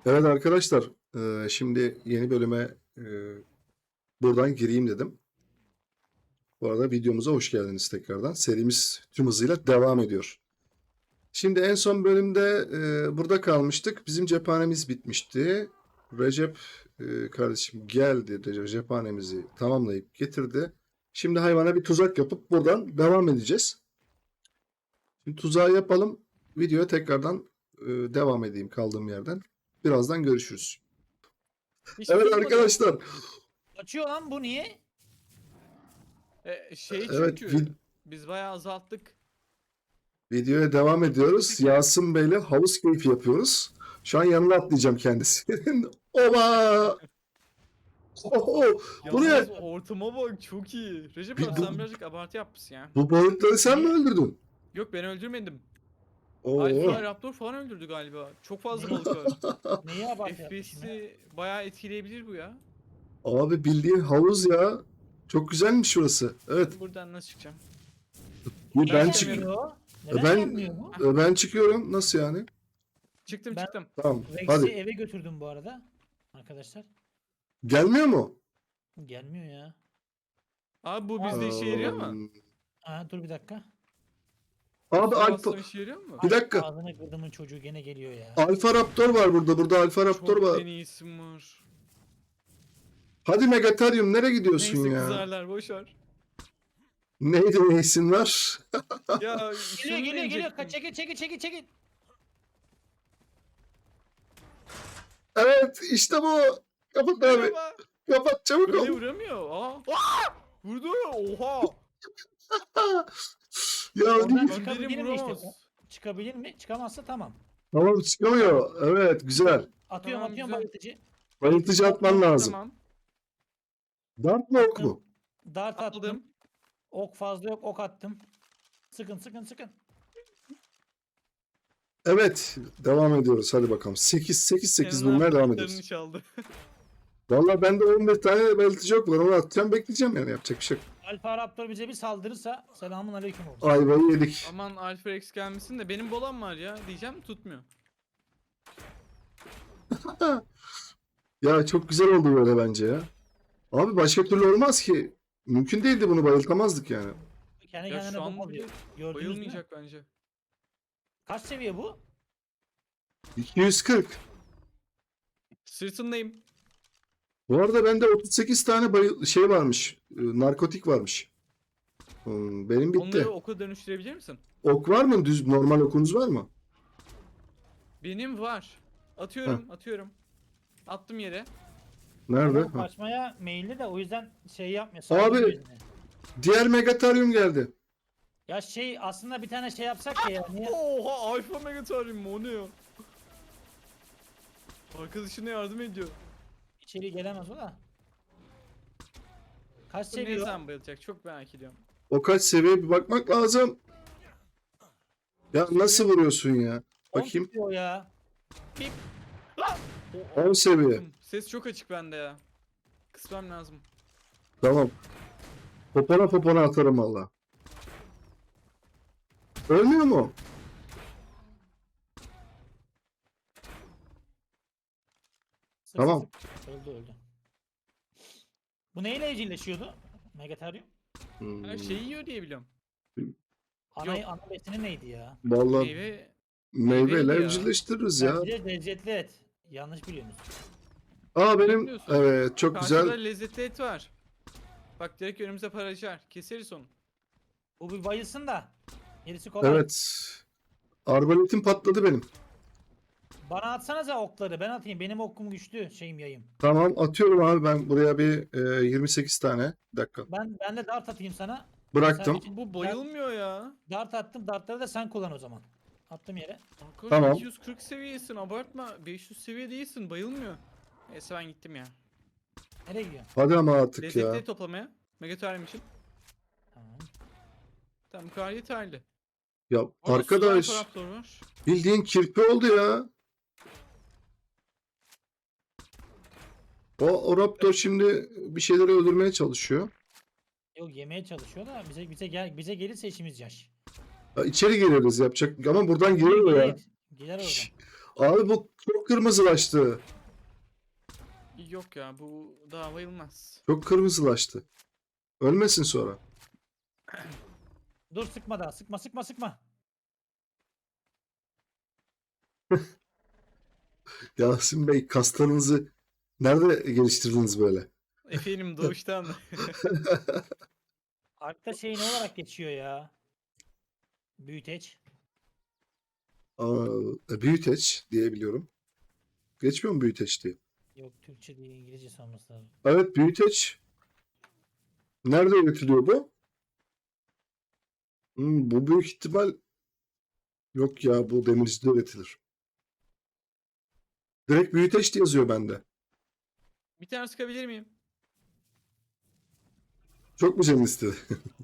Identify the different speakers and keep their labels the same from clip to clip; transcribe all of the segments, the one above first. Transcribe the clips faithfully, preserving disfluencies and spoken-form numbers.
Speaker 1: Evet arkadaşlar, eee, şimdi yeni bölüme eee, buradan gireyim dedim. Bu arada videomuza hoş geldiniz tekrardan. Serimiz tüm hızıyla devam ediyor. Şimdi en son bölümde eee, burada kalmıştık. Bizim cephanemiz bitmişti. Recep eee, kardeşim geldi. Recep cephanemizi tamamlayıp getirdi. Şimdi hayvana bir tuzak yapıp buradan devam edeceğiz. Şimdi tuzağı yapalım. Videoya tekrardan eee, devam edeyim kaldığım yerden. Birazdan görüşürüz.
Speaker 2: Hiç
Speaker 1: Evet
Speaker 2: durmadı.
Speaker 1: arkadaşlar.
Speaker 3: Açıyor lan bu niye?
Speaker 2: E, şey
Speaker 1: Evet,
Speaker 2: çünkü
Speaker 1: vid-
Speaker 2: biz bayağı azalttık.
Speaker 1: Videoya devam ediyoruz. Yasin Bey'le havuz keyfi yapıyoruz. Şu an yanına atlayacağım kendisinin. Oba! Oho! Bu
Speaker 2: Yalnız
Speaker 1: ne?
Speaker 2: ortama bak, çok iyi. Recep
Speaker 1: Bir-
Speaker 2: abi
Speaker 1: bu-
Speaker 2: sen birazcık abartı yapmışsın ya.
Speaker 1: Bu balıkları sen mi öldürdün?
Speaker 2: Yok, ben öldürmedim.
Speaker 1: Oo.
Speaker 2: Alfa Raptor falan öldürdü galiba. Çok fazla balık var.
Speaker 3: Neyi abartı yapmışım ya?
Speaker 2: F P S'i bayağı etkileyebilir bu ya.
Speaker 1: Abi bildiğin havuz ya. Çok güzelmiş şurası. Evet.
Speaker 2: Ben buradan nasıl çıkacağım?
Speaker 1: Bu
Speaker 3: Niye
Speaker 1: ben
Speaker 2: çık-
Speaker 1: çık
Speaker 3: gelmiyor o? Neden
Speaker 1: ben
Speaker 3: gelmiyor bu?
Speaker 1: ben çıkıyorum. Nasıl yani?
Speaker 2: Çıktım
Speaker 3: Ben-
Speaker 2: çıktım.
Speaker 1: Tamam.
Speaker 3: Rex'i
Speaker 1: Hadi.
Speaker 3: eve götürdüm bu arada. Arkadaşlar.
Speaker 1: Gelmiyor mu?
Speaker 3: Gelmiyor ya.
Speaker 2: Abi bu bizde işe yarıyor mu?
Speaker 3: Aa, dur bir dakika.
Speaker 1: Abi
Speaker 2: Su
Speaker 1: Alfa,
Speaker 2: bastığım işe yarıyor mu?
Speaker 1: bir dakika.
Speaker 3: Ağzına kırdımın çocuğu gene geliyor ya.
Speaker 1: Alfa Raptor var burada. Burada Alfa Raptor
Speaker 2: Çok
Speaker 1: var.
Speaker 2: en iyisi var.
Speaker 1: Hadi Megatarium nereye gidiyorsun
Speaker 2: Neyse
Speaker 1: ya?
Speaker 2: kızarlar, boşver.
Speaker 1: Neydi ne isim var?
Speaker 2: Ya
Speaker 3: Geliyor
Speaker 2: şunu
Speaker 3: geliyor geliyor.
Speaker 2: deneyecektim.
Speaker 3: Kaç, çekil çekil çekil çekil.
Speaker 1: Evet işte bu. Kapat abi.
Speaker 2: Merhaba.
Speaker 1: Kapat çabuk
Speaker 2: Böyle
Speaker 1: ol.
Speaker 2: vuramıyor. Aa. Aa! Vurdu. Oha.
Speaker 1: Ya
Speaker 3: Oradan
Speaker 1: değil.
Speaker 3: çıkabilir
Speaker 2: Benim
Speaker 3: mi işte?
Speaker 2: vuramaz.
Speaker 3: Çıkabilir mi? Çıkamazsa tamam.
Speaker 1: Tamam çıkamıyor. Evet güzel.
Speaker 3: Atıyorum
Speaker 2: Tamam,
Speaker 3: atıyorum
Speaker 2: güzel.
Speaker 3: bayıltıcı.
Speaker 1: Bayıltıcı atman lazım.
Speaker 2: Tamam.
Speaker 1: Dart mı ok mu?
Speaker 3: Dart attım.
Speaker 2: Aldım.
Speaker 3: Ok fazla yok, ok attım. Sıkın sıkın sıkın.
Speaker 1: Evet. Devam ediyoruz. Hadi bakalım. sekiz sekiz sekiz
Speaker 2: Senin
Speaker 1: bunlar devam
Speaker 2: artıklarını
Speaker 1: ediyoruz.
Speaker 2: çaldı.
Speaker 1: Vallahi bende on beş tane bayıltıcı yok var. Onu atacağım bekleyeceğim yani. Yapacak bir şey yok.
Speaker 3: Alfa Raptor bize bir saldırırsa selamun aleyküm oldu.
Speaker 1: Ayvayı yedik.
Speaker 2: Aman Alfa Rex gelmesin de benim bolam var ya diyeceğim, tutmuyor.
Speaker 1: Ya çok güzel oldu böyle bence ya. Abi başka türlü olmaz ki. Mümkün değildi, bunu bayıltamazdık yani.
Speaker 3: Kendi
Speaker 2: Ya
Speaker 3: kendine
Speaker 2: şu an
Speaker 3: bombalıyor.
Speaker 2: bile
Speaker 3: Gördünüz mü?
Speaker 2: bayılmayacak bence.
Speaker 3: Kaç seviye bu?
Speaker 1: iki yüz kırk.
Speaker 2: Sırtındayım.
Speaker 1: Bu arada bende otuz sekiz tane bayıl şey varmış. e, Narkotik varmış. Hmm, benim bitti.
Speaker 2: Onları oka dönüştürebilir misin?
Speaker 1: Ok var mı? Düz normal okunuz var mı?
Speaker 2: Benim var. Atıyorum, atıyorum. Attım yere.
Speaker 1: Nerede?
Speaker 3: Adam
Speaker 1: Ha.
Speaker 3: kaçmaya meyilli de o yüzden şey yapmıyor.
Speaker 1: Abi.
Speaker 3: saldırmıyor yüzüne.
Speaker 1: Diğer Megatarium geldi.
Speaker 3: Ya şey aslında bir tane şey yapsak ya. Niye?
Speaker 2: Oha, Alfa Megatarium o ne ya? Arkadaşına yardım ediyor.
Speaker 3: İçeri gelemez o da. Kaç
Speaker 2: Bu ne
Speaker 3: seviyor?
Speaker 2: zaman bayılacak, çok merak ediyorum.
Speaker 1: O kaç seviye bir bakmak lazım. Ya nasıl vuruyorsun ya?
Speaker 3: on
Speaker 1: Bakayım.
Speaker 3: tutuyor ya.
Speaker 2: O-
Speaker 1: on seviye.
Speaker 2: Ses çok açık bende ya. Kısmam lazım.
Speaker 1: Tamam. Popona popona atarım valla. Ölmüyor mu?
Speaker 3: Sık
Speaker 1: Tamam.
Speaker 3: sık. Öldü öldü. Bu neyle evcilleşiyordu? Megatarium.
Speaker 1: Hmm.
Speaker 2: Her şeyi yiyor diye biliyorum.
Speaker 3: Ana,
Speaker 2: Yok.
Speaker 3: ana besini neydi ya?
Speaker 1: Vallahi
Speaker 2: Meyve
Speaker 1: meyveyle
Speaker 2: meyveydi ya.
Speaker 1: evcilleştiririz ya.
Speaker 3: Bence lezzetli et. Yanlış biliyorsunuz.
Speaker 1: Aa benim
Speaker 2: Bilmiyorsun.
Speaker 1: evet çok
Speaker 2: Karşıda
Speaker 1: güzel.
Speaker 2: lezzetli et var. Bak direkt önümüze paraşar. Keseriz onu.
Speaker 3: Bu bir bayılsın da. Gerisi kolay.
Speaker 1: Evet. Arbaletim patladı benim.
Speaker 3: Bana atsanıza okları. Ben atayım. Benim okum güçlü. Şeyim yayım.
Speaker 1: Tamam atıyorum abi ben buraya bir e, yirmi sekiz tane. Bir dakika.
Speaker 3: Ben ben de dart atayım sana.
Speaker 1: Bıraktım.
Speaker 3: Sen-
Speaker 2: Bu bayılmıyor ya.
Speaker 3: Dart attım. Dartları da sen kullan o zaman. Attım yere.
Speaker 2: Arkadaş
Speaker 1: Tamam.
Speaker 2: iki yüz kırk seviyesin, abartma. beş yüz seviye değilsin, bayılmıyor. Neyse ben gittim ya.
Speaker 3: Nereye gidiyorsun?
Speaker 1: Hadi ama artık
Speaker 2: Lezzetli
Speaker 1: ya.
Speaker 2: et toplamaya. Megatarium için.
Speaker 3: Tamam.
Speaker 2: Tamam, bu kadar yeterli.
Speaker 1: Ya
Speaker 2: Orada
Speaker 1: arkadaş
Speaker 2: sudan Raptor var.
Speaker 1: bildiğin kirpi oldu ya. O, o Raptor şimdi bir şeyleri öldürmeye çalışıyor.
Speaker 3: Yok yemeye çalışıyor da bize bize gel bize gelirse işimiz yaş.
Speaker 1: Ya içeri gireriz yapacak ama buradan
Speaker 3: Gelir
Speaker 1: giriyor ya.
Speaker 3: gelir. Gelir oradan.
Speaker 1: Abi bu çok kırmızılaştı.
Speaker 2: Yok ya bu daha bayılmaz.
Speaker 1: Çok kırmızılaştı. Ölmesin sonra.
Speaker 3: Dur sıkma daha. Sıkma sıkma sıkma.
Speaker 1: Yasin Bey, kaslarınızı nerede geliştirdiniz böyle?
Speaker 2: Efendim doğuştan.
Speaker 3: Arkta şey ne olarak geçiyor ya? Büyüteç.
Speaker 1: Aa, e, büyüteç diyebiliyorum. Geçmiyor mu büyüteç diye?
Speaker 3: Yok Türkçe değil İngilizce olması lazım.
Speaker 1: Evet, büyüteç. Nerede üretiliyor bu? Hmm, bu büyük ihtimal yok ya, bu demircide üretilir. Direkt büyüteç diye yazıyor bende.
Speaker 2: Bir tane sıkabilir miyim?
Speaker 1: Çok mu canın istedi?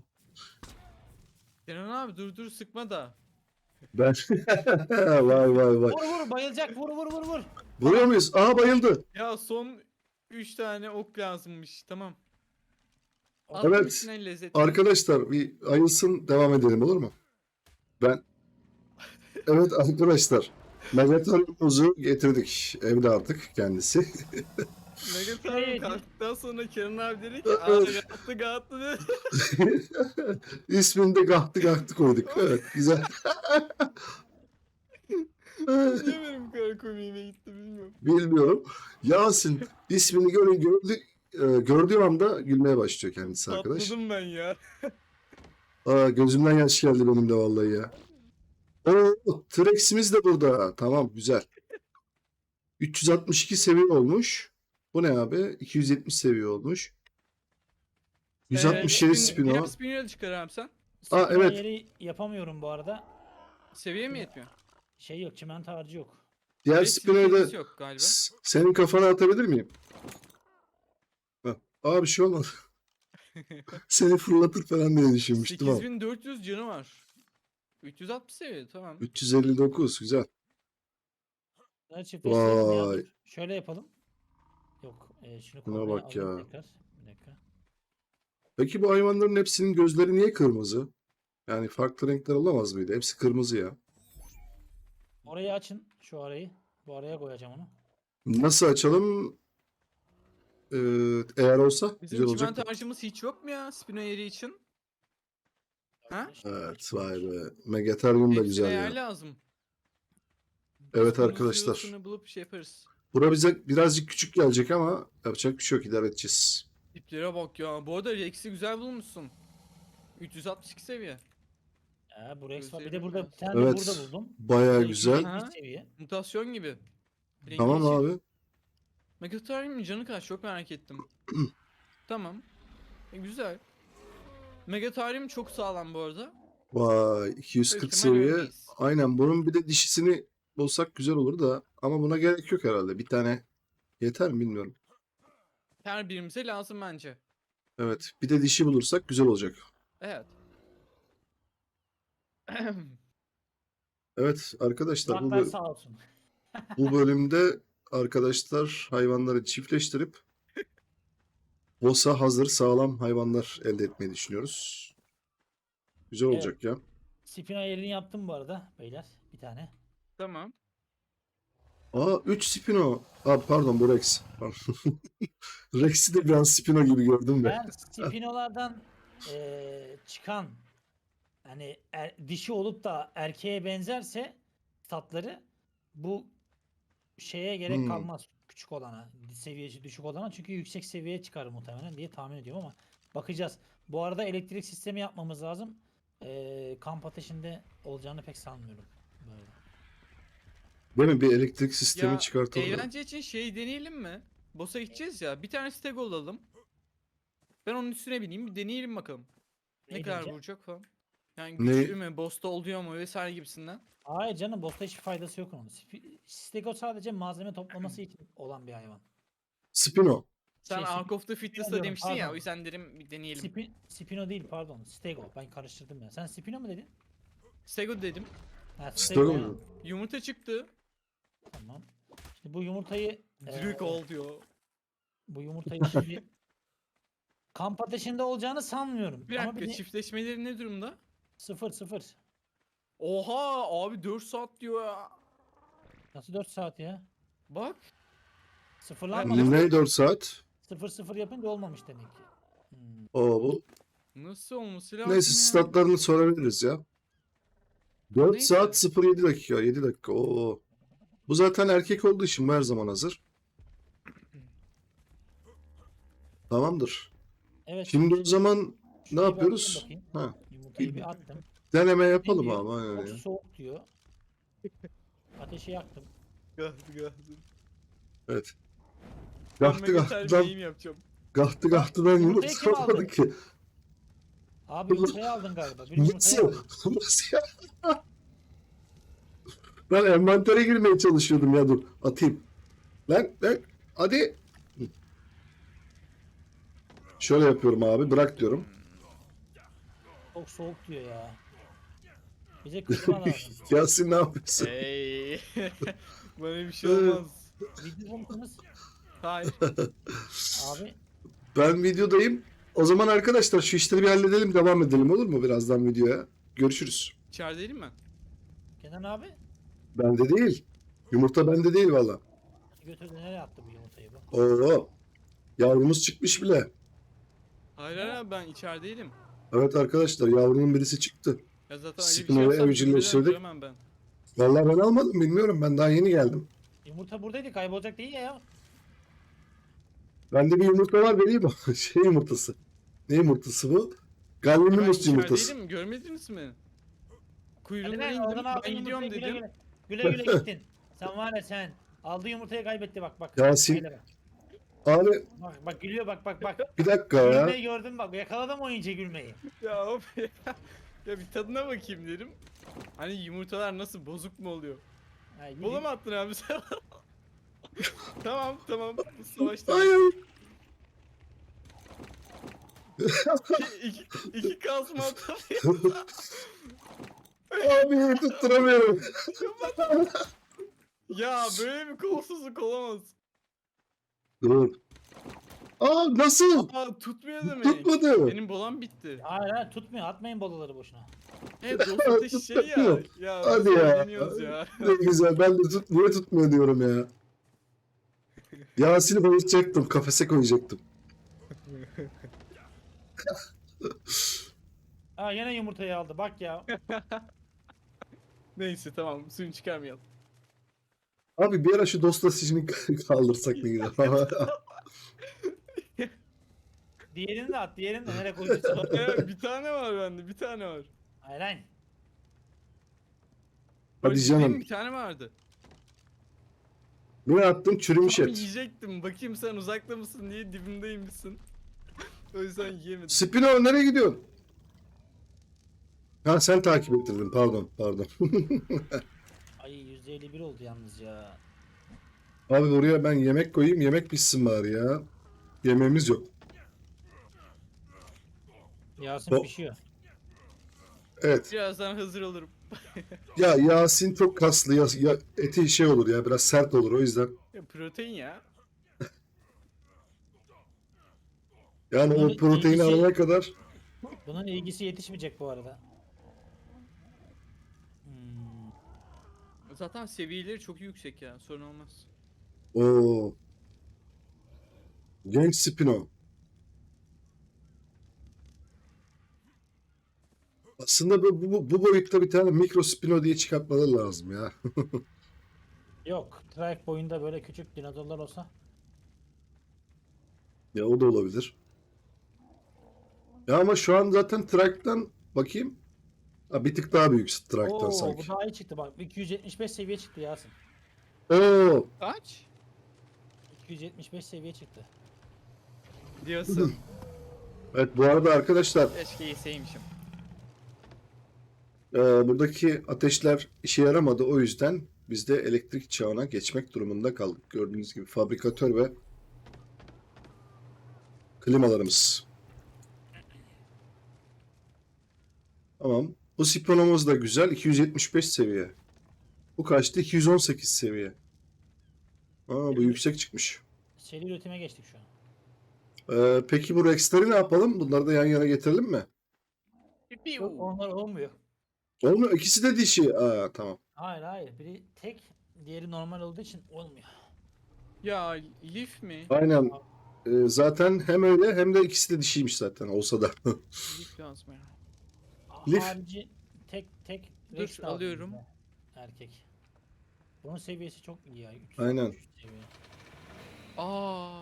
Speaker 2: Kenan abi dur dur sıkma da.
Speaker 1: Ben vay vay vay.
Speaker 3: Vur vur bayılacak vur vur vur vur.
Speaker 1: Vuruyor muyuz? Aa, bayıldı.
Speaker 2: Ya son üç tane ok lazımmış. Tamam.
Speaker 3: Evet.
Speaker 1: Evet.
Speaker 2: altmışın lezzetli.
Speaker 1: Arkadaşlar bir ayılsın, devam edelim, olur mu? Ben evet arkadaşlar, Megaton'umuzu getirdik evde artık kendisi.
Speaker 2: Megatarım
Speaker 3: Evet.
Speaker 2: kalktıktan sonra Kenan abi dedi ki aa gattı gattı dedi.
Speaker 1: İsmini de Gahtı Gahtı koyduk. Evet, güzel.
Speaker 2: Niye benim bu kadar komiğime gitti bilmiyorum.
Speaker 1: Bilmiyorum. Yasin ismini görün gördü, e, gördüğü anda gülmeye başlıyor kendisi arkadaş.
Speaker 2: Patladım ben ya.
Speaker 1: Aa, gözümden yaş geldi benim de vallahi ya. Oo, T-Rex'imiz de burada. Tamam, güzel. üç yüz altmış iki seviye olmuş. Bu ne abi? iki yüz yetmiş seviye olmuş. yüz altmış yedi
Speaker 2: Ee, spin- Diğer
Speaker 1: Spino.
Speaker 2: spinner'ı çıkar abi sen.
Speaker 1: Aa,
Speaker 3: Sıkma
Speaker 1: evet.
Speaker 3: yeri yapamıyorum bu arada.
Speaker 2: Seviye mi yetmiyor?
Speaker 3: Şey yok çimento harcı yok.
Speaker 1: Diğer
Speaker 2: Evet,
Speaker 1: Spino'yu
Speaker 2: seviyemiz
Speaker 1: da
Speaker 2: yok galiba.
Speaker 1: s- senin kafana atabilir miyim? Heh. Aa, bir şey olmadı. Seni fırlatır falan diye düşünmüştüm ama.
Speaker 2: sekiz bin dört yüz canı var. üç yüz altmış seviye tamam.
Speaker 1: üç yüz elli dokuz, güzel.
Speaker 3: Bunları çiftleştirelim ya.
Speaker 1: Vay.
Speaker 3: Dur. Şöyle yapalım. Yok. E, şunu
Speaker 1: Buna
Speaker 3: korumaya
Speaker 1: bak
Speaker 3: alayım
Speaker 1: ya.
Speaker 3: tekrar. Bir dakika.
Speaker 1: Peki bu hayvanların hepsinin gözleri niye kırmızı? Yani farklı renkler olamaz mıydı? Hepsi kırmızı ya.
Speaker 3: Orayı açın. Şu arayı. Bu araya koyacağım onu.
Speaker 1: Nasıl açalım? Ee, eğer olsa
Speaker 2: Bizim
Speaker 1: güzel olacak
Speaker 2: çimento
Speaker 1: da.
Speaker 2: harcımız hiç yok mu ya Spino yeri için? Ha?
Speaker 3: Arkadaşlar,
Speaker 1: Evet, vay be. Megatherium da
Speaker 2: Hepsine
Speaker 1: güzel
Speaker 2: yer
Speaker 1: ya.
Speaker 2: lazım.
Speaker 1: Evet
Speaker 2: Biz
Speaker 1: arkadaşlar.
Speaker 2: kırmızısını bulup şey yaparız.
Speaker 1: Bura bize birazcık küçük gelecek ama yapacak bir şey yok, idare edeceğiz.
Speaker 2: Tiplere bak ya. Bu arada Rex'i güzel bulmuşsun. üç yüz altmış iki seviye.
Speaker 3: Ya, bu Rex var. Bir de
Speaker 2: Gözlerime
Speaker 3: burada bir
Speaker 2: biraz.
Speaker 3: tane de
Speaker 1: Evet.
Speaker 3: burada buldum.
Speaker 1: Bayağı
Speaker 3: Bu
Speaker 1: güzel.
Speaker 3: iki yüz
Speaker 2: Ha?
Speaker 3: yetmiş seviye.
Speaker 2: Mutasyon gibi. Rengi
Speaker 1: Tamam
Speaker 2: yeşil.
Speaker 1: abi.
Speaker 2: Megatherium'un canı kaç? Çok merak ettim. Tamam. E, güzel. Megatherium çok sağlam bu arada.
Speaker 1: Vay, iki yüz kırk
Speaker 2: Büyük ihtimal
Speaker 1: seviye.
Speaker 2: öndeyiz.
Speaker 1: Aynen, bunun bir de dişisini bulsak güzel olur da ama buna gerek yok herhalde. Bir tane yeter mi bilmiyorum.
Speaker 2: Her birimize lazım bence.
Speaker 1: Evet, bir de dişi bulursak güzel olacak.
Speaker 2: Evet.
Speaker 1: Evet arkadaşlar, bu,
Speaker 3: Kulaklar
Speaker 1: bö-
Speaker 3: sağ olsun.
Speaker 1: bu bölümde arkadaşlar hayvanları çiftleştirip boss'a hazır sağlam hayvanlar elde etmeyi düşünüyoruz. Güzel
Speaker 3: Evet.
Speaker 1: olacak ya.
Speaker 3: Spino yerini yaptım bu arada beyler. Bir tane.
Speaker 2: Tamam.
Speaker 1: Aa, üç Spino. Aa, pardon, bu Rex. Pardon. Rex'i de biraz Spino gibi gördüm de.
Speaker 3: Ben Spino'lardan eee, çıkan hani er- dişi olup da erkeğe benzerse tatları bu şeye gerek
Speaker 1: Hmm.
Speaker 3: kalmaz küçük olana, seviyesi düşük olana çünkü yüksek seviyeye çıkar muhtemelen diye tahmin ediyorum ama bakacağız. Bu arada elektrik sistemi yapmamız lazım. Eee kamp ateşinde olacağını pek sanmıyorum. Böyle.
Speaker 1: Değil mi? Bir elektrik sistemi
Speaker 2: Ya
Speaker 1: çıkartalım.
Speaker 2: eğlence için şey deneyelim mi? Boss'a gideceğiz ya. Bir tane stego alalım. Ben onun üstüne bineyim bir deneyelim bakalım. Ne
Speaker 3: Neyi
Speaker 2: kadar
Speaker 3: deneyeceğim?
Speaker 2: vuracak falan. Yani
Speaker 1: Ne?
Speaker 2: güçlü mü? Boss'ta oluyor mu? Vesaire gibisinden.
Speaker 3: Hayır canım boss'ta hiçbir faydası yok onun. Spi- Stego sadece malzeme toplaması için olan bir hayvan.
Speaker 1: Spino.
Speaker 2: Sen
Speaker 3: Şey,
Speaker 2: Ark of the Fitness'ta
Speaker 3: diyorum,
Speaker 2: demiştin ya.
Speaker 3: pardon.
Speaker 2: O yüzden dedim bir deneyelim.
Speaker 3: Spi- Spino değil pardon. Stego. Ben karıştırdım ya. Sen Spino mu dedin?
Speaker 2: Stego dedim.
Speaker 3: Ha,
Speaker 1: Stego
Speaker 3: ya.
Speaker 1: mu?
Speaker 2: Yumurta çıktı.
Speaker 3: Tamam. Şimdi bu yumurtayı
Speaker 2: Direkt
Speaker 3: eee,
Speaker 2: ol diyor.
Speaker 3: bu yumurtayı şimdi kamp ateşinde olacağını sanmıyorum.
Speaker 2: Bir
Speaker 3: Ama
Speaker 2: dakika
Speaker 3: bir de
Speaker 2: çiftleşmeleri ne durumda?
Speaker 3: sıfır sıfır.
Speaker 2: Oha abi dört saat diyor ya.
Speaker 3: Nasıl dört saat ya?
Speaker 2: Bak.
Speaker 3: Sıfırlanmadı.
Speaker 1: Ne dört saat?
Speaker 3: Sıfır sıfır yapınca olmamış demek ki. Hmm.
Speaker 1: Oo, bu.
Speaker 2: Nasıl olması lazım
Speaker 1: Neyse
Speaker 2: ya?
Speaker 1: statlarını sorabiliriz ya. dört
Speaker 2: Neyse.
Speaker 1: saat sıfır yedi dakika. yedi dakika. Oo. Bu zaten erkek olduğu için bu her zaman hazır. Tamamdır.
Speaker 3: Evet.
Speaker 1: Şimdi o zaman ne
Speaker 3: şuraya bir
Speaker 1: yapıyoruz?
Speaker 3: atayım bakayım.
Speaker 1: Ha,
Speaker 3: Yumurtayı bir attım.
Speaker 1: deneme
Speaker 3: Ne
Speaker 1: yapalım
Speaker 3: diyor?
Speaker 1: ama. Aynen
Speaker 3: Çok
Speaker 1: ya.
Speaker 3: soğuk diyor. Ateşi yaktım.
Speaker 2: Gahtı gahtı.
Speaker 1: Evet.
Speaker 2: Ben
Speaker 1: Gahtı
Speaker 2: Megaterm
Speaker 1: gahtıdan,
Speaker 2: yayın yapacağım.
Speaker 1: gahtı gahtıdan
Speaker 3: Yumurtayı kim
Speaker 1: yumurta
Speaker 3: aldı?
Speaker 1: olmadı ki.
Speaker 3: Abi yumurtayı aldın galiba. Bir yumurtayı
Speaker 1: Nasıl?
Speaker 3: aldın.
Speaker 1: Nasıl ya? Ben envantere girmeye çalışıyordum ya, dur atayım. Lan lan hadi. Şöyle yapıyorum abi, bırak diyorum.
Speaker 3: Çok soğuk diyor ya. Bize klima lazım.
Speaker 1: Yasin ne yapıyorsun?
Speaker 2: Hey. Bana bir şey olmaz.
Speaker 3: Video musunuz?
Speaker 2: Hayır.
Speaker 3: Abi
Speaker 1: Ben videodayım. O zaman arkadaşlar şu işleri bir halledelim, devam edelim, olur mu birazdan videoya? Görüşürüz.
Speaker 2: İçerideyim ben.
Speaker 3: Kenan abi
Speaker 1: Bende değil. Yumurta bende değil valla.
Speaker 3: götürdü, nereye attı bu yumurtayı bu?
Speaker 1: Oo. Yavrumuz çıkmış bile.
Speaker 2: Hayır hayır ben içerideydim.
Speaker 1: Evet arkadaşlar, yavrunun birisi çıktı.
Speaker 2: Ya zaten öyle bir şey
Speaker 1: Spino'yu
Speaker 2: yapsam
Speaker 1: evcilleştirdik.
Speaker 2: bilmeden duramam ben.
Speaker 1: Vallahi ben almadım, bilmiyorum, ben daha yeni geldim.
Speaker 3: Yumurta buradaydı, kaybolacak değil ya.
Speaker 1: Bende bir yumurta var, vereyim mi? Şey yumurtası. Ne yumurtası bu?
Speaker 2: Ben
Speaker 1: Gallinumus yumurtası.
Speaker 2: içerideydim görmediniz mi?
Speaker 3: Hadi
Speaker 2: Kuyruğundan
Speaker 3: lan
Speaker 2: indim
Speaker 3: oradan aldın
Speaker 2: ben gidiyorum
Speaker 3: yumurtayı, güle
Speaker 2: dedim.
Speaker 3: güle. Güle güle gittin. Sen var ya sen. Aldığı yumurtayı kaybetti, bak bak.
Speaker 1: Yasin.
Speaker 3: Haydi bak.
Speaker 1: Abi
Speaker 3: Bak bak gülüyor, bak bak bak.
Speaker 1: bir dakika ya.
Speaker 3: Gülmeyi gördün bak, yakaladım oyuncu gülmeyi.
Speaker 2: Ya hop ya. Ya bir tadına bakayım dedim. Hani yumurtalar nasıl bozuk mu oluyor?
Speaker 3: Ha, gidin.
Speaker 2: Bola mı attın abi sen? Tamam tamam. Bu savaşta.
Speaker 1: Hayır.
Speaker 2: iki, iki kasma attım.
Speaker 1: Abi tutturamıyorum.
Speaker 2: Ya böyle bir kolsuzluk olamaz.
Speaker 1: Dur. Aa, nasıl?
Speaker 2: Aa tutmuyor demek.
Speaker 1: Tutmadı.
Speaker 2: Benim bolam bitti.
Speaker 3: Hayır hayır, tutmuyor, atmayın bolaları boşuna.
Speaker 2: Evet dost ateşi şey ya. Ya
Speaker 1: Hadi
Speaker 2: biz
Speaker 1: ya.
Speaker 2: eğleniyoruz ya.
Speaker 1: Ne güzel. Ben de tut, niye tutmuyor diyorum ya. Yasin'i bayıltacaktım. Kafese koyacaktım.
Speaker 3: Ha yine yumurtayı aldı bak ya.
Speaker 2: Neyse tamam suyunu çıkarmayalım.
Speaker 1: Abi bir ara şu dostlaşıcını kaldırsak ne güzel.
Speaker 3: Diğerini de at, diğerini de nereye koyacaksın?
Speaker 2: Evet bir tane var bende bir tane var.
Speaker 3: Hayır hayır.
Speaker 1: Hadi
Speaker 2: Öyle
Speaker 1: canım.
Speaker 2: değil mi? Bir tane vardı.
Speaker 1: Ne attın? Çürümüş
Speaker 2: Tam
Speaker 1: et.
Speaker 2: yiyecektim. Bakayım sen uzakta mısın diye dibimdeymişsin. O yüzden yiyemedim.
Speaker 1: Spino nereye gidiyorsun? Ha sen takip ettirdin. Pardon, pardon.
Speaker 3: Ay yüzde elli bir oldu yalnız ya.
Speaker 1: Abi oraya ben yemek koyayım. Yemek pişsin bari ya. Yemeğimiz yok.
Speaker 3: Yasin
Speaker 1: O-
Speaker 3: pişiyor.
Speaker 1: Evet.
Speaker 2: Birazdan hazır olurum.
Speaker 1: Ya Yasin çok kaslı. Ya, ya eti şey olur ya. Biraz sert olur o yüzden.
Speaker 2: Ya, protein ya.
Speaker 1: Yani o
Speaker 3: Bunun
Speaker 1: proteini
Speaker 3: ilgisi-
Speaker 1: alana kadar.
Speaker 3: Bunun ilgisi yetişmeyecek bu arada. Hmm.
Speaker 2: Zaten seviyeleri çok yüksek ya. Sorun olmaz.
Speaker 1: Oo. Genç Spino. Aslında bu, bu, bu boyutta bir tane mikro Spino diye çıkartmaları lazım ya.
Speaker 3: Yok. Trike boyunda böyle küçük dinozorlar olsa.
Speaker 1: Ya o da olabilir. Ya ama şu an zaten Trak'tan bakayım. Ha, bir tık daha büyük Trak'tan
Speaker 3: Oo, bu
Speaker 1: sanki.
Speaker 3: daha iyi çıktı bak. iki yüz yetmiş beş seviye çıktı Yasin.
Speaker 1: Oo.
Speaker 2: Kaç?
Speaker 3: iki yüz yetmiş beş seviye çıktı.
Speaker 2: Diyorsun.
Speaker 1: Evet bu arada arkadaşlar
Speaker 2: Keşke yeseymişim.
Speaker 1: e, buradaki ateşler işe yaramadı. O yüzden biz de elektrik çağına geçmek durumunda kaldık. Gördüğünüz gibi fabrikatör ve klimalarımız. Tamam. Bu Spinomuz da güzel. iki yüz yetmiş beş seviye. Bu kaçtı? iki yüz on sekiz seviye. Aa, bu yüksek çıkmış.
Speaker 3: Seri üretime geçtik şu an.
Speaker 1: Ee, peki bu Rex'leri ne yapalım? Bunları da yan yana getirelim mi?
Speaker 3: Yok onlar olmuyor.
Speaker 1: Olmuyor. İkisi de dişi. Aa, tamam.
Speaker 3: Hayır hayır. Biri tek diğeri normal olduğu için olmuyor.
Speaker 2: Ya Leaf mi?
Speaker 1: Aynen. Ee, zaten hem öyle hem de ikisi de dişiymiş zaten olsa da.
Speaker 2: Leaf lazım ya.
Speaker 1: Lif.
Speaker 3: Harici tek tek
Speaker 2: Dur,
Speaker 3: Rex lazım
Speaker 2: alıyorum.
Speaker 3: bize. Erkek. Bunun seviyesi çok iyi ya. üç yüz
Speaker 1: Aynen.
Speaker 3: altmış üç seviye.
Speaker 2: Aa.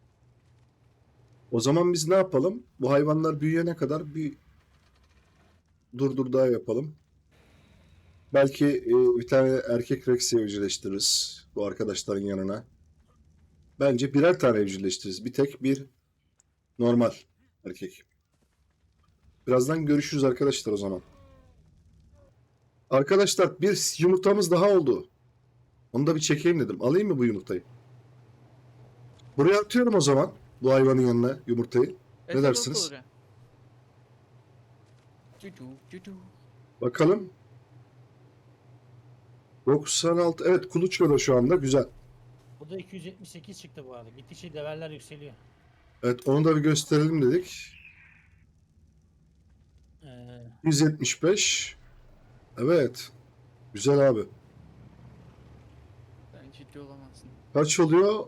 Speaker 1: O zaman biz ne yapalım? Bu hayvanlar büyüyene kadar bir durdur daha yapalım. Belki e, bir tane erkek Rex evcilleştiririz bu arkadaşların yanına. Bence birer tane evcilleştiririz. Bir tek bir normal erkek. Birazdan görüşürüz arkadaşlar o zaman. Arkadaşlar bir yumurtamız daha oldu. Onu da bir çekeyim dedim. Alayım mı bu yumurtayı? Buraya atıyorum o zaman. Bu hayvanın yanına yumurtayı.
Speaker 2: Evet,
Speaker 1: dersiniz?
Speaker 2: olur ya. Cucu, cucu.
Speaker 1: Bakalım. doksan altı. Evet, kuluçkada şu anda. Güzel.
Speaker 3: Bu da iki yüz yetmiş sekiz çıktı bu arada. Gittikçe leveller yükseliyor.
Speaker 1: Evet, onu da bir gösterelim dedik.
Speaker 3: Ee,
Speaker 1: yüz yetmiş beş. Evet. Güzel abi.
Speaker 2: Sen ciddi olamazsın.
Speaker 1: Kaç oluyor?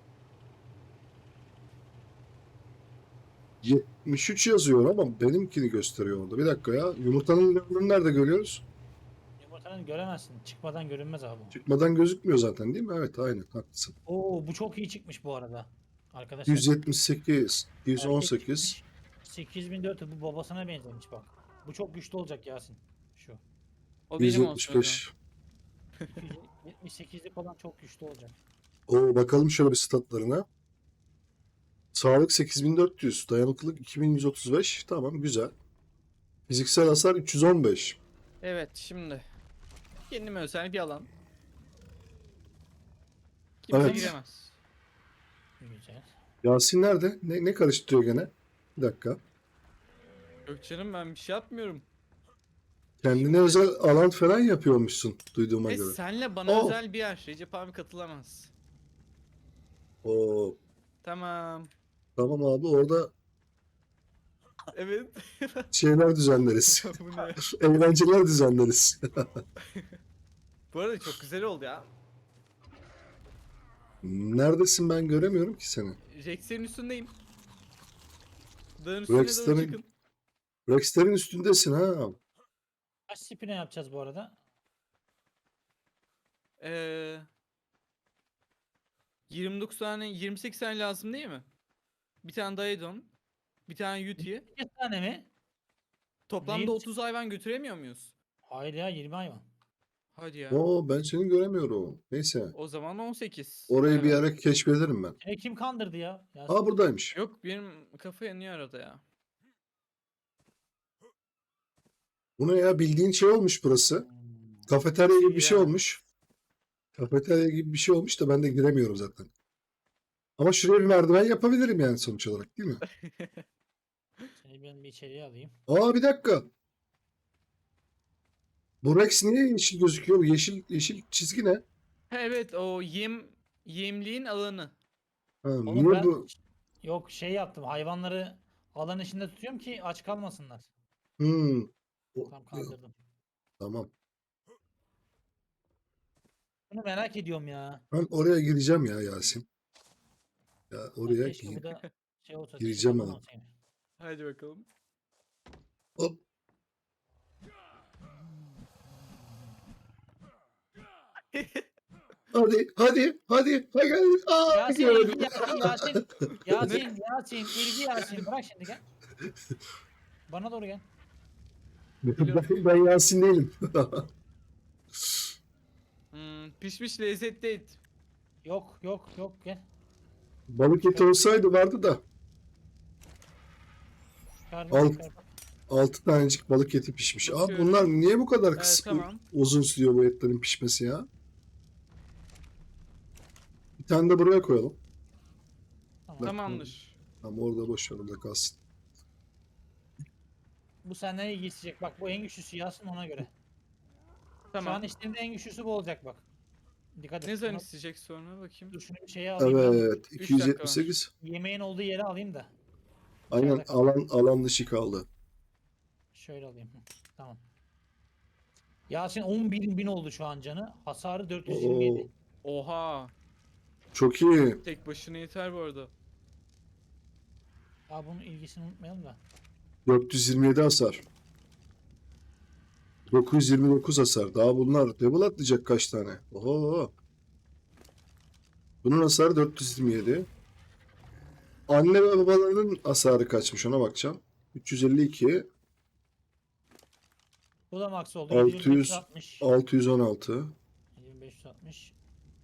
Speaker 1: yetmiş üç yazıyor ama benimkini gösteriyor orada. Bir dakika ya. Yumurtanın levelini nerede görüyoruz?
Speaker 3: yumurtanı göremezsin. Çıkmadan görünmez abi. bu.
Speaker 1: Çıkmadan gözükmüyor zaten değil mi? Evet, aynen haklısın.
Speaker 3: Oo, bu çok iyi çıkmış bu arada. Arkadaşlar.
Speaker 1: yüz yetmiş sekiz, yüz on
Speaker 3: Erkek
Speaker 1: sekiz.
Speaker 3: çıkmış. sekiz bin dört yüz, bu babasına benzemiş bak. Bu çok güçlü olacak Yasin. Şu.
Speaker 2: O benim olsun o zaman.
Speaker 1: yüz yetmiş beş.
Speaker 3: iki yüz yetmiş sekizlik olan çok güçlü olacak.
Speaker 1: Oo, bakalım şöyle bir statlarına. Sağlık sekiz bin dört yüz, dayanıklılık iki bin yüz otuz beş. Tamam, güzel. Fiziksel hasar üç yüz on beş.
Speaker 2: Evet, şimdi. Kendime özel bir alan. Kimse
Speaker 1: Evet.
Speaker 2: giremez.
Speaker 3: Güzel.
Speaker 1: Yasin nerede? Ne, ne karıştırıyor gene? Bir dakika.
Speaker 2: Yok canım, ben bir şey yapmıyorum.
Speaker 1: Kendine özel alan falan yapıyormuşsun duyduğuma
Speaker 2: E
Speaker 1: göre.
Speaker 2: senle bana
Speaker 1: Oh.
Speaker 2: özel bir yer. Recep abi katılamaz.
Speaker 1: Oo,
Speaker 2: Tamam.
Speaker 1: tamam abi, orada
Speaker 2: Evet.
Speaker 1: şeyler düzenleriz.
Speaker 2: Bu ne?
Speaker 1: Eğlenceler düzenleriz.
Speaker 2: Bu arada çok güzel oldu ya.
Speaker 1: Neredesin, ben göremiyorum ki seni.
Speaker 2: Rex'lerin üstündeyim. Dağın üstüne doğru
Speaker 1: Rex'lerin
Speaker 2: çıkın.
Speaker 1: Rex'lerin üstündesin ha.
Speaker 3: Kaç spine yapacağız bu arada?
Speaker 2: Ee, yirmi dokuz tane, yirmi sekiz tane lazım değil mi? Bir tane Daedon, bir tane Uti.
Speaker 3: Bir tane mi?
Speaker 2: Toplamda
Speaker 3: Neyim?
Speaker 2: otuz hayvan götüremiyor muyuz?
Speaker 3: Hayır ya, yirmi hayvan.
Speaker 2: Hadi ya.
Speaker 1: Oo, ben seni göremiyorum. Neyse.
Speaker 2: O zaman on sekiz.
Speaker 1: Orayı bir
Speaker 2: hayvan.
Speaker 1: ara keşfederim ben.
Speaker 3: Seni kim kandırdı ya? Yasin?
Speaker 1: Aa, buradaymış.
Speaker 2: Yok, benim kafa yanıyor arada ya.
Speaker 1: Bu ne ya, bildiğin şey olmuş burası.
Speaker 3: Hmm.
Speaker 1: Kafeterya gibi bir şey
Speaker 2: Ya.
Speaker 1: olmuş. Kafeterya gibi bir şey olmuş da ben de giremiyorum zaten. Ama şuraya bir merdiven yapabilirim yani sonuç olarak, değil mi?
Speaker 3: Seni ben bir içeriye alayım.
Speaker 1: Aa, bir dakika. Bu Rex niye yeşil gözüküyor? Bu yeşil yeşil çizgi ne?
Speaker 2: Ha, evet, o yem yemliğin alanı.
Speaker 1: Ha,
Speaker 3: Oğlum
Speaker 1: niye
Speaker 3: ben
Speaker 1: bu?
Speaker 3: yok şey yaptım. Hayvanları alan içinde tutuyorum ki aç kalmasınlar.
Speaker 1: Hmm. O-
Speaker 3: Tam kandırdım.
Speaker 1: Tamam.
Speaker 3: Bunu merak ediyorum ya.
Speaker 1: Ben oraya gireceğim ya Yasin. Ya
Speaker 3: Ya
Speaker 1: oraya
Speaker 3: keşke
Speaker 1: gi-
Speaker 3: bu da şey olsa.
Speaker 1: gireceğim
Speaker 3: dişi
Speaker 1: ha.
Speaker 3: olsaydı.
Speaker 2: Hadi bakalım.
Speaker 1: Hop. Hadi, hadi, hadi. Hadi. Aa,
Speaker 3: Yasin,
Speaker 1: gördüm.
Speaker 3: ilgi Yasin, Yasin. Yasin, Yasin, ilgi Yasin. Bırak şimdi gel. Bana doğru gel.
Speaker 1: Ben, ben Yasin değilim.
Speaker 2: Hmm, pişmiş lezzetli et.
Speaker 3: Yok, yok, yok gel.
Speaker 1: Balık eti olsaydı vardı da.
Speaker 3: Çıkardım,
Speaker 1: Al.
Speaker 3: çıkardım.
Speaker 1: Altı tanecik balık eti pişmiş. Abi
Speaker 2: Bakıyorum.
Speaker 1: bunlar niye bu kadar
Speaker 2: Evet,
Speaker 1: kısa,
Speaker 2: tamam.
Speaker 1: uzun sürüyor bu etlerin pişmesi ya? Bir tane de buraya koyalım.
Speaker 3: Tamam.
Speaker 2: Tamamdır.
Speaker 1: Tamam, orada boş ver, orada kalsın.
Speaker 3: Bu senden ilgi isteyecek. Bak bu en güçlüsü Yasin, ona göre. Şu an
Speaker 2: Tamam.
Speaker 3: içtiğimde en güçlüsü bu olacak bak. Dikkat et.
Speaker 2: Ne zaman
Speaker 3: Şunu-
Speaker 2: isteyecek sonra bakayım.
Speaker 3: Dur şunu bir şeye alayım. ben.
Speaker 1: Evet,
Speaker 2: Üç
Speaker 1: iki yüz
Speaker 2: dakika
Speaker 1: yetmiş sekiz.
Speaker 3: Yemeğin olduğu yere alayım da.
Speaker 1: Aynen,
Speaker 3: İçeride kal.
Speaker 1: alan alan dışı kaldı.
Speaker 3: Şöyle alayım. Hı, tamam. Yasin on bir bin oldu şu an canı. Hasarı dört yüz yirmi
Speaker 1: Oo,
Speaker 3: yedi.
Speaker 2: Oha.
Speaker 1: çok iyi.
Speaker 2: Tek başına yeter bu arada.
Speaker 3: Aa, bunun ilgisini unutmayalım da.
Speaker 1: dört yüz yirmi yedi hasar. dokuz yüz yirmi dokuz hasar. Daha bunlar level atlayacak kaç tane? Oho. Bunun hasarı dört yüz yirmi yedi. Anne ve babalarının hasarı kaçmış ona bakacağım. üç yüz elli iki.
Speaker 3: Bu da max oldu.
Speaker 1: altı yüz,
Speaker 3: yedi bin beş yüz altmış.
Speaker 1: altı yüz on altı.
Speaker 3: yedi bin beş yüz altmış.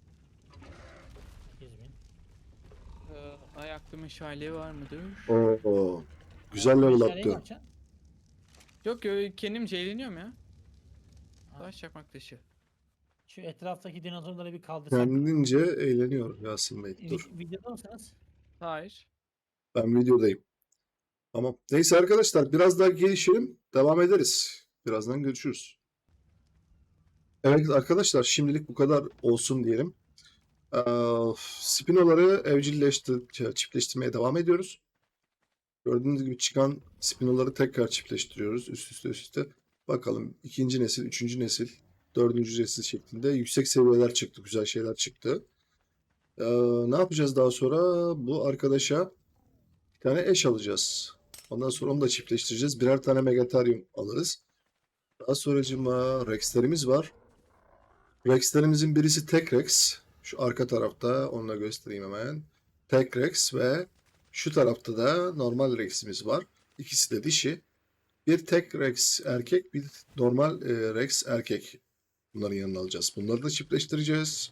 Speaker 3: sekiz bin.
Speaker 2: Ee, ayaklı meşale var mıdır?
Speaker 1: Oo. Güzel level
Speaker 3: Meşaleyi ne
Speaker 1: attı.
Speaker 3: yapacaksın?
Speaker 2: Yok ya, kendimce eğleniyorum ya.
Speaker 3: Ha.
Speaker 2: Taş çakmak taşı.
Speaker 3: Şu etraftaki dinozorları bir kaldırsak.
Speaker 1: Kendince eğleniyor Yasin Bey. Dur.
Speaker 3: Vi- videoda mısınız?
Speaker 2: Hayır.
Speaker 1: Ben videodayım. Tamam. Neyse arkadaşlar biraz daha gelişelim. Devam ederiz. Birazdan görüşürüz. Evet arkadaşlar şimdilik bu kadar olsun diyelim. Ee, Spinoları evcilleştir, çiftleştirmeye devam ediyoruz. Gördüğünüz gibi çıkan spinoları tekrar çiftleştiriyoruz. Üst üste üst üste. Bakalım ikinci nesil, üçüncü nesil, dördüncü nesil şeklinde yüksek seviyeler çıktı. Güzel şeyler çıktı. Ee, ne yapacağız daha sonra? Bu arkadaşa bir tane eş alacağız. Ondan sonra onu da çiftleştireceğiz. Birer tane Megatarium alırız. Daha sonracığıma Rex'lerimiz var. Rex'lerimizin birisi tek Rex. Şu arka tarafta onu da göstereyim hemen. Tek Rex ve şu tarafta da normal Rex'imiz var. İkisi de dişi. Bir tek Rex erkek, bir normal e, Rex erkek. Bunların yanına alacağız. Bunları da çiftleştireceğiz.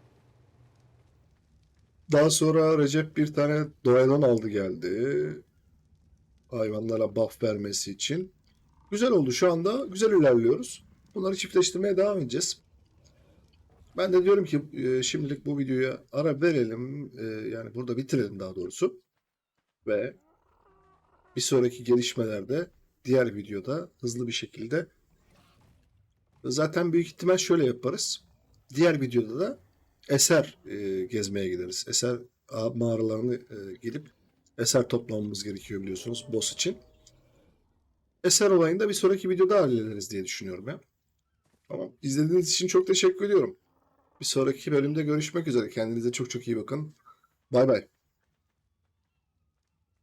Speaker 1: Daha sonra Recep bir tane Doyalon aldı geldi. Hayvanlara buff vermesi için. Güzel oldu. Şu anda güzel ilerliyoruz. Bunları çiftleştirmeye devam edeceğiz. Ben de diyorum ki e, şimdilik bu videoya ara verelim. E, yani burada bitirelim daha doğrusu. Ve bir sonraki gelişmelerde diğer videoda hızlı bir şekilde zaten büyük ihtimal şöyle yaparız. Diğer videoda da eser e, gezmeye gideriz. Eser a- mağaralarını e, gidip eser toplamamız gerekiyor biliyorsunuz boss için. Eser olayını da bir sonraki videoda hallederiz diye düşünüyorum ya. Tamam. İzlediğiniz için çok teşekkür ediyorum. Bir sonraki bölümde görüşmek üzere. Kendinize çok çok iyi bakın. Bay bay.